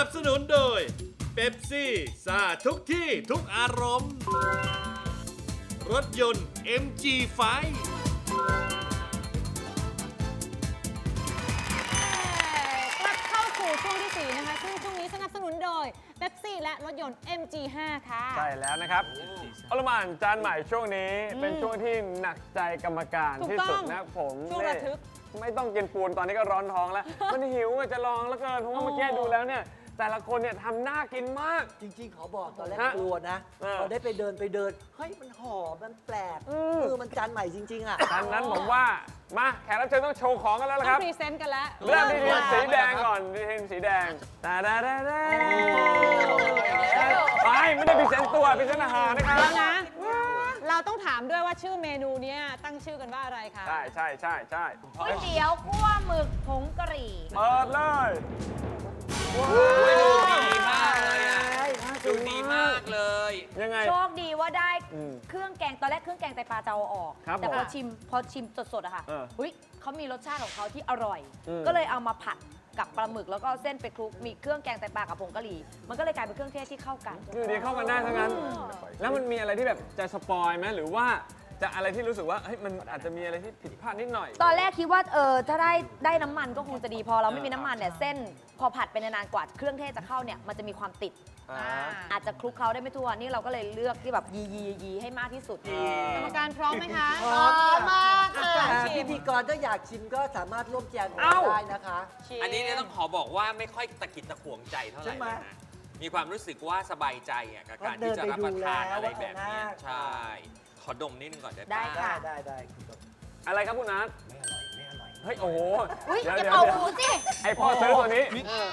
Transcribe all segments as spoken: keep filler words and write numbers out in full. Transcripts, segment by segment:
บสนุนโดยเป๊ปซี่ซ่าทุกที่ทุกอารมณ์ รถยนต์ เอ็ม จี ไฟกลับเข้าสู่ช่วงที่สี่นะคะซึ่งช่วงนี้สนับสนุนโดยเป๊ปซี่และรถยนต์ เอ็ม จี ไฟว์ ค่ะใช่แล้วนะครับอลหม่านจานใหม่ช่วงนี้เป็นช่วงที่หนักใจกรรมการถูกที่ต้องสุดนะผมช่วงระทึกนี่ไม่ต้องกินปูนตอนนี้ก็ร้อนท้องแล้ว มันหิวอะจะลองแล้วเกินเพราะว่าเมื่อกี้ดูแล้วเนี่ยแต่ละคนเนี่ยทำน่ากินมากจริงๆขอบอกตอนแรกฮะกลัวนะเออพอได้ไปเดินไปเดิน เฮ้ย มันหอม มันแปลกอืมคือมันจานใหม่จริง ๆ อ่ะดังนั้นผมว่ามาแขกรับเชิญต้องโชว์ของกันแล้วละต้คอรังบพรีเซนต์กันแล้วเริ่มที่ทีมค่ะสีแดงก่อนทีมสีแดงตาดาดาดาไปไม่ได้พรีเซนต์ตัวพรีเซนต์อาหารนะครับแล้วนะ เราต้องถามด้วยว่าชื่อเมนูเนี้ยตั้งชื่อกันว่าอะไรคะใช่ใช่ใช่ใช่ก๋วยเตี๋ยวคั่วหมึกผงกะหรี่เปิดเลยดูดีมากเลยอ่ะดูดีมากเลยยังไงโชคดีว่าได้อืมเครื่องแกงตอนแรกเครื่องแกงไตปลาจะเอาออกครับแต่พอผมชิมพอชิมสดๆอะค่ะเออเฮ้ยเขามีรสชาติของเขาที่อร่อยอืมก็เลยเอามาผัดกับปลาหมึกแล้วก็เอาเส้นไปคลุกมีเครื่องแกงไตปลากับผงกะหรี่มันก็เลยกลายเป็นเครื่องเทศที่เข้ากันอยู่ดีเข้ากันได้ทั้งนั้น แล้วมันมีอะไรที่แบบจะสปอยไหมหรือว่าจะอะไรที่รู้สึกว่าเฮ้ยมันอาจจะมีอะไรที่ผิดพลาดนิดหน่อยตอนแรกคิดว่าเออถ้าได้ได้น้ำมันก็คงจะดีพอเราไม่มีน้ำมันเนี่ยเส้นพอผัดไปนานๆกว่าเครื่องเทศจะเข้าเนี่ยมันจะมีความติดอ่าอาจจะคลุกเคล้าได้ไม่ทั่วนี่เราก็เลยเลือกที่แบบยียียีให้มากที่สุดกรรมการพร้อมไหมคะพร้อมมากค่ะชิพิมธีกรถ้าอยากชิมก็สามารถร่วมแจมกับเอ้าเราได้นะคะชิมอันนี้เนี่ยต้องขอบอกว่าไม่ค่อยตะกิดตะขวงใจเท่าไหร่ใช่ไหมเลยนะมีความรู้สึกว่าสบายใจอ่ะกับการที่จะรับประทานอะไรแบบเนี้ยใช่ ขอดมนิดนึงก่อนได้ได้ปะค่ะได้ได้ได้คุณผู้ชมอะไรครับคุณนัทไม่อร่อย ไม่อร่อยเฮ้ยโอ้โหอุ้ยเดี๋ยวอย่าเดี๋ยวเป่าเดี๋ยวหูสิไอพ่อซื้อตัวนี้เออ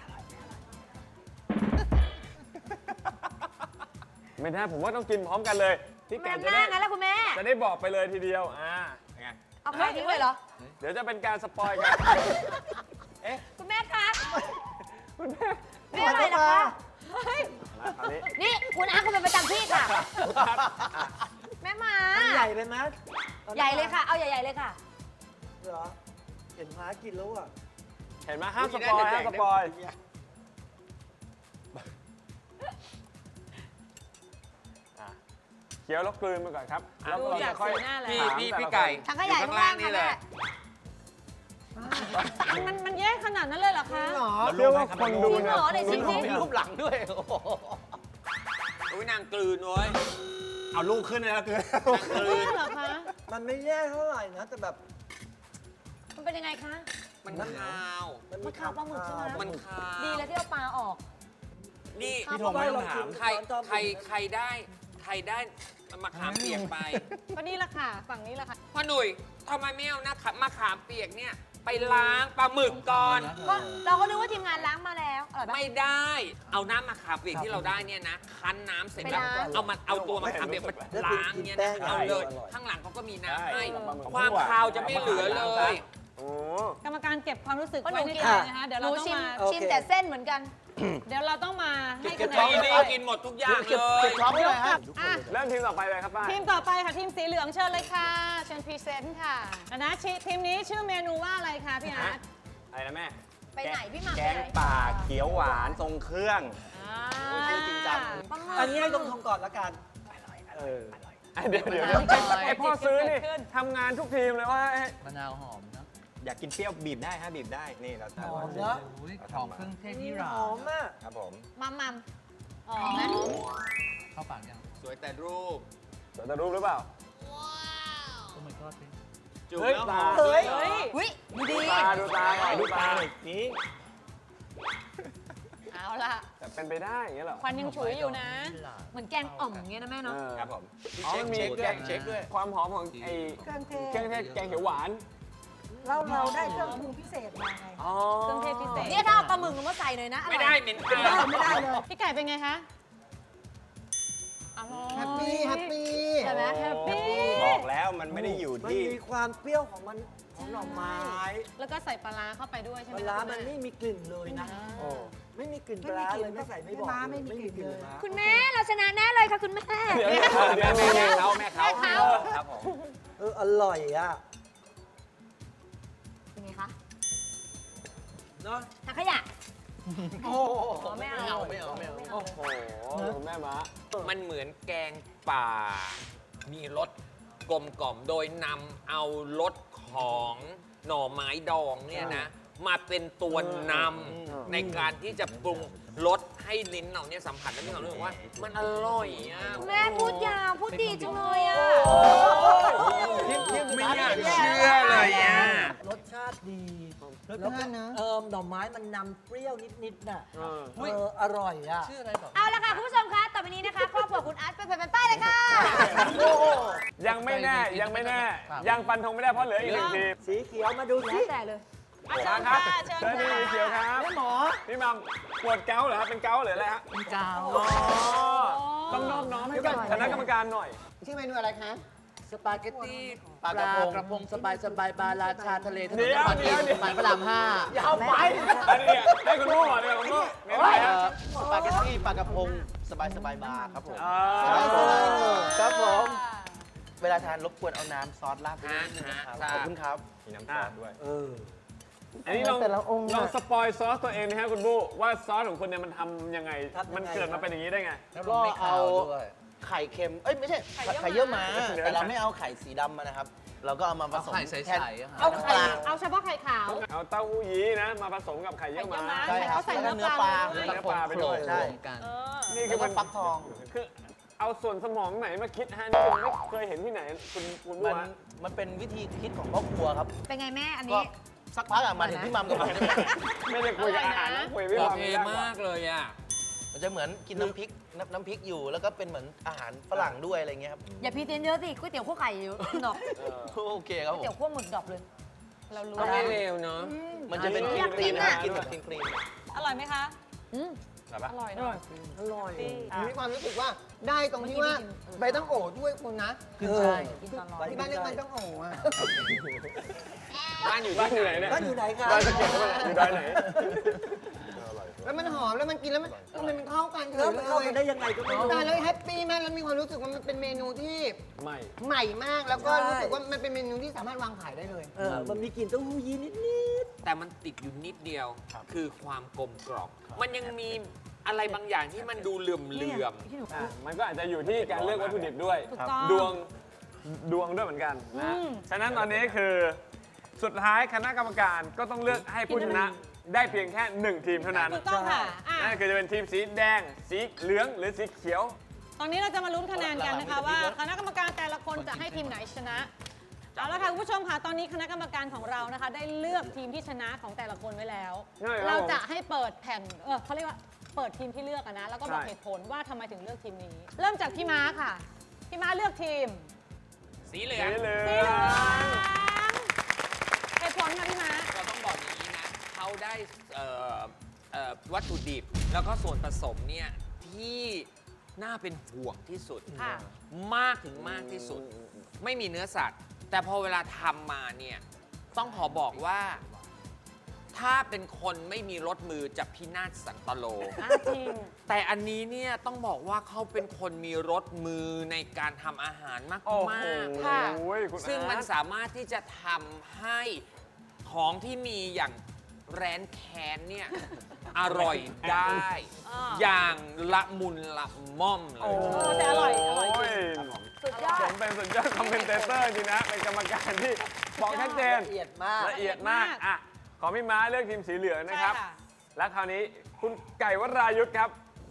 ไม่ได้ผมว่าต้องกินพร้อมกันเลยพี่แม่แก่จะแม่ได้งั้นแล้วคุณแม่จะได้บอกไปเลยทีเดียวอ่าไงเอาไข่ทิ้งเลยเหรอเดี๋ยวจะเป็นการสปอยกันคุณแม่คะคุณแม่แม่อะไรนะคะมาคราวนี้นี่คุณอาคุณเป็นประจำที่ค่ะ แม่มามันใหญ่ไปไหมใหญ่เลยค่ะ เอาใหญ่ๆเลยค่ะเหรอ เห็นม้ากินแล้วอ่ะเห็นไหมห้ามสปอยห้ามสปอยอ่ะเคี้ยวแล้วกลืนไปก่อนครับแล้วดูเราจาจะกค่อยสีหน้าแล้วพี่ถามพี่แต่ละพี่ไก่ถังขอยะยู่ข้างล่างนี่แหละมันมันมันแย่ขนาดนั้นเลยเหรอคะหรอเชื่อว่าคนดูเนี่ยจริงเหรอไหนชิมสิมีรูปหลังด้วย โอ้โหอุ้ยนางกลืนเว้ยเอาลูกขึ้นเลยแล้วกลืนนางกลืนเหรอคะมันไม่แย่เท่าไหร่นะ แต่แบบมันเป็นยังไงคะมันคาวมันมันคาวปลาหมึกใช่ไหมมันคาวดีแล้วที่เอาปลาออกนี่พี่ธงไม่ต้องถามใครใครใครได้ใครได้มะขามเปียกไปก็นี่แหละค่ะ ฝั่งนี้แหละค่ะพ่อหนุ่ยทำไมไม่เอานะมะขามเปียกเนี่ยไปล้างปลาหมึกก่อนก็เราก็นึกว่าทีมงานล้างมาแล้วอร่อยปะไม่ได้ เอาน้ำมะขามเปียกที่เราได้เนี่ยนะ คั้นน้ำเสร็จแล้วไปล้างเอามันเอาตัวมะขามเปียกมาล้างเนี่ยนะเอาเลย ข้างหลังเขาก็มีน้ำให้ ความคาวจะไม่เหลือเลยโอ้กรรมการเก็บความรู้สึกก็หนูไว้ในกินใจนะคะ เดี๋ยวหเรานูต้องชิมมาชิมแต่เส้นเหมือนกันเดี๋ยวเราต้องมาให้คะแนนี่นนี่กินหมดทุกอย่างเลยยกกับอ่ะเริ่มทีมต่อไปเลยครับป้าทีมต่อไปค่ะทีมสีเหลืองเชิญเลยค่ะ เชิญพรีเซนต์ค่ะนะชิทีมนี้ชื่อเมนูว่าอะไรคะพี่อาร์ตอะไรนะแม่ไปไหนพี่หม่ำแกไปงไหนป่าเขียวหวานทรงเครื่องอ่าชื่อจริงจังปลาหมึกอันนี้ให้ตรงทงก่อนละกันเออเดี๋ยวเดี๋ยวเดี๋ยวไอพ่อซื้อนี่ทำงานทุกทีมเลยว่ามะนาวหอมเนาะอยากกินเปรี้ยวบีบได้ฮะบีบได้นี่เราหอมทำเนอะหอมเครื่องเทศที่หร้าอมอ่ะครับผมมัมมัมอ๋อไหมเข้าปากยังสวยแต่รูปเดี๋ยวจะรู้หรือเปล่าโอ้ my god จูบเฮ้ยแล้วหตาอมเฮ้ยเฮ้ยอุ้ยดูดีตาดูตาหน่อยดูดูตาตาหน่อยนี้เอาละแต่เป็นไปได้อย่างเงี้ยเหรอควันยังฉุยอยู่นะเหมือนแกงอ่อมอย่างเงี้ยนะแม่เนาะเออครับผมอ๋อมันมีเช็คด้วยเช็คด้วยความหอมของไอ้เครื่องเทเครื่องเทศศแกงเขียวหวานเราเราได้เครื่องปรุงพิเศษมาไงอ๋อเครื่องเทศพิเศษเนี่ยถ้าเอาปลาหมึกลงมาใส่หน่อยนะอร่ไม่อยได้เหม็นคาไม่ได้วไม่ได้เลยพี่ไก่เป็นไงคะอร่อยแฮปปี้แฮปปี้ใช่ไหมแฮปปี้บอกแล้วมันไม่ได้อยู่มันที่มีความเปรี้ยวของมันของหน่อไม้แล้วก็ใส่ปลาร้าเข้าไปด้วยใช่ไหปมลาร้าคะมันไม่มีกลิ่นเลยนะโอ้ไม่มีกลิ่นปลาร้าเลยไม่ใส่ไม่บอกไม่มีกลิ่นเลยนะคุณแม่เราชนะแน่เลยค่ะคุณแม่เดี๋ยวเดี๋ยวแม่เดี๋ยวแม่เดี๋ยวเขาแม่เขาครับผมเอออร่อยอ่ะเป็นไงคะเนาะถังขยะโอ้ไม่เอาไม่เอาไม่เอาโอ้โหคุณแม่ม้ามันเหมือนแกงป่า มีรสกลมกล่อมโดยนำเอารสของหน่อไม้ดองเนี่ยนะ มาเป็นตัวนำในการที่จะปรุงรสให้ลิ้นเราเนี่ยสัมผัสและมีความรู้สึกว่ามันอร่อยอ่ะแม่พูดยาวพูดดีจังเลยอ่ะไม่อยากเชื่อเลยอ่ะรสชาติดีแล้วก็เออหน่อไม้มันนำเปรี้ยวนิดๆน่ะเอออร่อยอ่ะชื่ออะไรต่อเอาละค่ะคุณผู้ชมคะต่อไปนี้นะคะครอบครัวคุณอาร์ตเป็นแผ่นป้ายเลยค่ะยังไม่แน่ยังไม่แน่ ยังฟันธงไม่ได้เพราะเหลืออีกหนึ่งทีมสีเขียวมาดูสิแล้วแต่เลยมาครับเชิญเชิญค่ะพี่สีเขียวครับแม่หมอพี่มัมปวดเกาต์เหรอครับเป็นเกาต์หรืออะไรฮะมีกาวอ๋อต้องนอบน้อมให้กับคณะกรรมการหน่อยชื่อเมนูอะไรคะสปาเกตตี้ปปลาลากกระระพพงงสบายสบายบาราชาทะเลถนนเดี๋ยวนครเดี๋ยวเดี๋ยวสายพระรามห้ายาวไปอันนี้ให้คุณโม่ก่อนเลยคุณโม่เมนูอะไรเอ่ฮะอสปาเกตตี้ปลากระพงสบายสบายบาร์ครับผมอ่าครับผม เวลาทานรบกวนเอาน้ำซอสราดไปด้วยนะครับฮะขอบคุณครับมีน้ำซอสด้วยเอออันนี้ลองแต่ละองค์ลองอะสปอยซอสตัวเองนะฮะคุณบูว่าซอสของคุณเนี่ยมันทำยังไงทำยังไงมันเกิดมาเป็นอย่างนี้ได้ไงก็เอาไข่เค็ม เอ้ยไม่ใช่ ไข่เยี่ยวม้าเดี๋ยวแต่เราไม่เอาไข่สีดำมานะครับ เราก็เอามาผสมเอาไข่ใสๆแทนอะครับเอาน้ำไข่ปลาเอาเฉพาะไข่ขาวเอาเต้าหู้ยี้นะ มาผสมกับไข่เยี่ยวม้าไข่เยี่ยวม้าใช่ครับเขาใส่แล้วก็เนื้เนื้ออปปลาลาเนื้อปลาไปด้วยใช่เออนี่คืแล้อวก็มันฟักทองคือเอาส่วนสมองไหนมาคิดฮะนี่ผมไม่เคยเห็นที่ไหนคุณคุณบูมันฮะมันเป็นวิธีคิดของพ่อครัวครับเป็นไงแม่อันก็นี้สักพักอะมาถึงพี่มัมกับผมเนี่ยไม่ได้คุยกับอาหารนะคุยไม่โอฟังเคไม่ได้มากเลยอ่ะมันจะเหมือนกินน้ำพริกน้ำน้ำพริกอยู่ แล้วก็เป็นเหมือนอาหารฝรั่งด้วยอะไรเงี้ยครับอย่าพรีเซนต์เยอะสิก๋วยเตี๋ยวคั่วไข่อยู่ดอกโอเคครับก๋วยผเตี๋ยวมคั่วหมึกดอกเลยเรารู้ก็ไม่เลวเนาะมันจะเป็นอยากคกิรีนมอะกินแบบครีมครีมอร่อยไหมคะอืมอร่อยอร่อยอร่อยมีความรู้สึกว่าได้ตรงที่ว่าใบตั้งโอด้วยคุณนะคือใช่กินตอนร้อนที่บ้านเรียกใบตั้งโออ่ะบ้านอยู่บ้านที่อยู่ไหไหนนเนี่ยบ้านอยู่ไหนคะบ้านสะเก็ดด้วยอยู่ดอยไหนแล้วมันหอมแล้วมันกินแล้วมันทำไมมันเข้ากันเฉแล้วยมันเลเข้ากันได้ยยังไงก็ไม่รู้ตายแล้วแฮปปี้มากแล้วมีความรู้สึกว่ามันเป็นเมนูที่ไม่ใหม่มากแล้วก็ใช่รู้สึกว่ามันเป็นเมนูที่สามารถวางขายได้เลยเออมันมีกลิ่นเต้าหู้ยี้นิดแต่มันติดอยู่นิดเดียว คือความกลมกล่อมมันยังมีอะไรบางอย่างที่มันดูเหลื่อมเหลื่อมอ่ะมันก็อาจจะอยู่ที่การเลือกวัตถุดิบด้วยถูกต้องดวงดวงด้วยเหมือนกันนะอืมฉะนั้นตอนนี้คือสุดท้ายคณะกรรมการก็ต้องเลือกให้ผู้ชนะได้เพียงแค่หนึ่งทีมเท่านั้นถูกต้องค่ะอ่ะนั่นคือจะเป็นทีมสีแดง สีเหลืองหรือสีเขียวตอนนี้เราจะมาลุ้นคะแนนกันนะคะว่าคณะกรรมการแต่ละคนจะให้ทีมไหนชนะเอาละค่ะคุณผู้ชมค่ะตอนนี้คณะกรรมการของเรานะคะ ได้เลือกทีมที่ชนะของแต่ละคนไว้แล้วใช่ครับเราจะให้เปิดแผ่นเออเขาเรียกว่าเปิดทีมที่เลือกอะนะแล้วก็บอกใช่เหตุผลว่าทำไมถึงเลือกทีมนี้ เริ่มจากพี่ม้าค่ะพี่ม้าเลือกทีมสีเหลืสีองเหลืสีอเหลืองงเหตุผลค่ะพี่ม้าเราต้องบอกอย่างนี้นะ เขาได้เอ่อเอ่อวัตถุดิบ แล้วก็ส่วนผสมเนี่ย ที่น่าเป็นห่วงที่สุดค่ะมากถึงมากที่สุด ไม่มีเนื้อสัตว์ แต่พอเวลาทำมาเนี่ย ต้องขอบอกว่า ถ้าเป็นคนไม่มีรสมือจะพินาศสันตโลอ่ะจริงแต่อันนี้เนี่ยต้องบอกว่าเขาเป็นคนมีรสมือในการทำอาหารมากโอ้โหมากค่ะคุณซึ่งมันอาร์ตสามารถที่จะทำให้ของที่มีอย่างแรนแคนเนี่ย อร่อยได้อ่าอย่างละมุนละม่อมเลโอ้ยเออแต่อร่อยอร่อยจริงสุดยอสดมเป็นสุดยอดคอมเมนเตเตอร์จริงนะ เป็นกรรมการที่บอกชัดเจนๆละเอียดมากละเอียดมากอ่ะขอพี่ม้าเลือกทีมสีเหลืองนะครับใช่ค่ะและคราวนี้คุณไก่วรายุทธครับ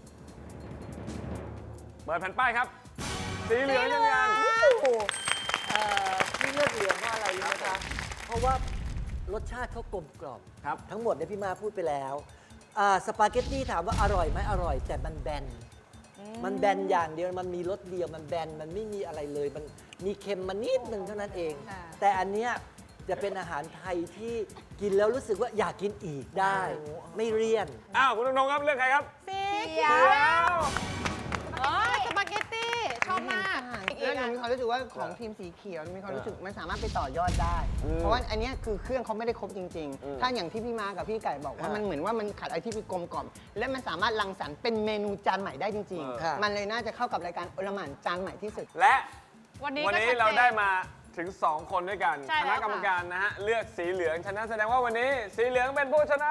เปิดแผ่นป้ายครับ สีเหลืองยังกันเอ่อที่เลือกเหลืองเพราะอะไรรู้ไหมคะเพราะว่ารสชาติเขากลมกล่อมครับทั้งหมดเนี่ยพี่มาพูดไปแล้วอ่าสปาเกตตี้ถามว่าอร่อยไหมอร่อย แต่มันแบน มันแบนอย่างเดียว มันมีรสเดียว มันแบน มันไม่มีอะไรเลย มันมีเค็มมานิดนึงเท่านั้นเองค่ะแต่อันเนี้ยจะเป็นอาหารไทยที่กินแล้วรู้สึกว่าอยากกินอีกได้ ไม่เลี่ยนอ้าวคุณนงๆครับเลือกใครครับสีเขีเขียยว วอ๋อสปาเกตตี้ชอบมากแล้วหนูมีความรู้สึกว่าของทีมสีเขียวมีความรู้สึกมันสามารถไปต่อยอดได้ เพราะว่าอันเนี้ยคือเครื่องเขาไม่ได้ครบจริง ๆ ถ้าอย่างที่พี่มากับพี่ไก่บอกว่าอ่ามัมันเหมือนว่ามันขาดอะไรที่เป็นกลมกล่อม และมันสามารถรังสรรค์เป็นเมนูจานใหม่ได้จริงค่ะๆ มันเลยน่าจะเข้ากับรายการโอลหม่านจานใหม่ที่สุดและวันนี้วันก็นี้ชัดเจนเราได้มาถึง สอง คนด้วยกันใช่คแล้วณะค่ะกรรมการนะฮะเลือกสีเหลืองชนะแสดงว่าวันนี้สีเหลืองเป็นผู้ชนะ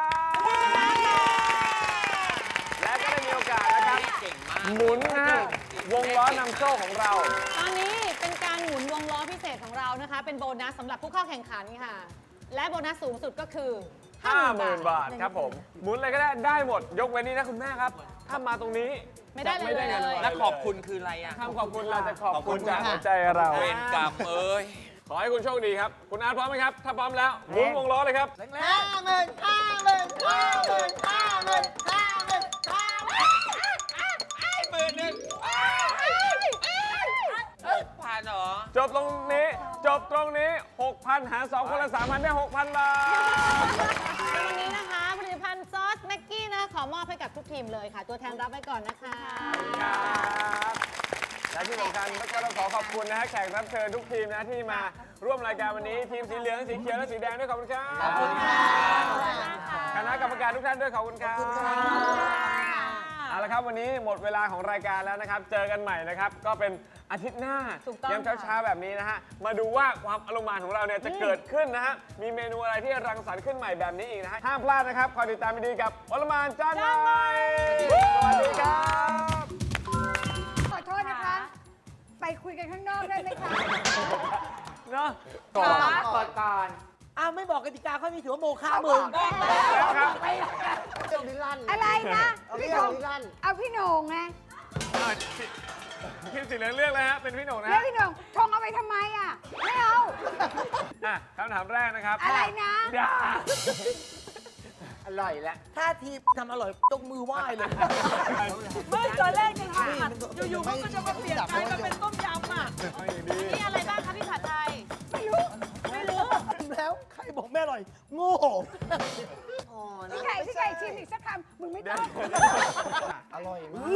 และก็ได้มีโอกาสนะครับเก่งมากหมุนนะฮะวงล้อนำโชคของเราตอนนี้เป็นการหมุนวงล้อพิเศษของเรานะคะ เป็นโบนัสสำหรับผู้เข้าแข่งขันค่ะ และโบนัสสูงสุดก็คือห้าหมื่น บาทครับผม หมุนอะไรก็ได้ได้หมด ยกเว้นนี้นะคุณแม่ครับ ถ้ามาตรงนี้ไม่ได้เลยจะงินเลยอะไรและขอบคุณคืออะไรอ่ะคำขอบคุณเราจะขอบขอบคุคุณณจากค่ะหัวใจเราเวรกรรมเอ้ยขอให้คุณโชคดีครับ คุณอาร์ตพร้อมไหมครับ ถ้าพร้อมแล้วหมุนวงล้อเลยครับห้าหมื่นห้าหมื่นห้าหมื่นห้าหมื่นห้าหมื่นห้าหมื่นหมื่นหนึ่งผ่านเหรอจบตรงนี้ จบตรงนี้ หกพัน หารสองคนละ สามพัน ได้ หกพัน บาทวันนี้นะคะผลิตภัณฑ์ซอสแม็กกี้นะขอมอบให้กับทุกทีมเลยค่ะ ตัวแทนรับไว้ก่อนนะคะครับและที่สำคัญก็ต้องขอขอบคุณนะฮะแขกรับเชิญทุกทีมนะที่มาร่วมรายการวันนี้ทีมสีเหลืองสีเขียวและสีแดงด้วยขอบคุณครับขอบคุณครับคณะกรรมการทุกท่านด้วยขอบคุณครับเอาละครับวันนี้หมดเวลาของรายการแล้วนะครับ เจอกันใหม่นะครับ ก็เป็นอาทิตย์หน้าถูกต้องยามเช้าๆแบบนี้นะฮะมาดูว่าความอารมณ์ของเราเนี่ยจะเกิดขึ้นนะฮะมีเมนูอะไรที่รังสรรค์ขึ้นใหม่แบบนี้อีกนะฮะห้ามพลาดนะครับคอยติดตามดีๆกับอลหม่านจานใหม่สวัสดีครับขอโทษนะคะ ไปคุยกันข้างนอกได้ไหมคะเนาะก่อนก่อนก่อนอ้าวไม่บอกกติกาเขามีถือว่าโมฆะมึงแล้วครับเรื่องนิรันดร์อะไรนะเอาพี่เรื่โหองน่งนิรันดร์เอาพี่โหน่งไงทีมสีเหลืองเลือกเลยฮะเป็นพี่หนุ่มนะแล้วฮะพี่โหน่งชงเอาไปทำไมอ่ะ ไม่เอาอ่ะคำถามแรกนะครับอะไรนะอย่าอร่อยแล้ว ถ้าทีมทำอร่อยยกมือไหว้เลยไม่ตอนแรกจะทำผัดอยู่ๆมันก็จะมาเปลี่ยนใจมาเป็นต้มยำอ่ะไม่ดีนี่อะไรบ้างคะพี่ผัดไทยไม่รู้ไม่รู้แล้วใครบอกไม่อร่อย โง่พี่ไก่พี่ไก่ชิมอีกสักคำมึงไม่ต้องอร่อยมาก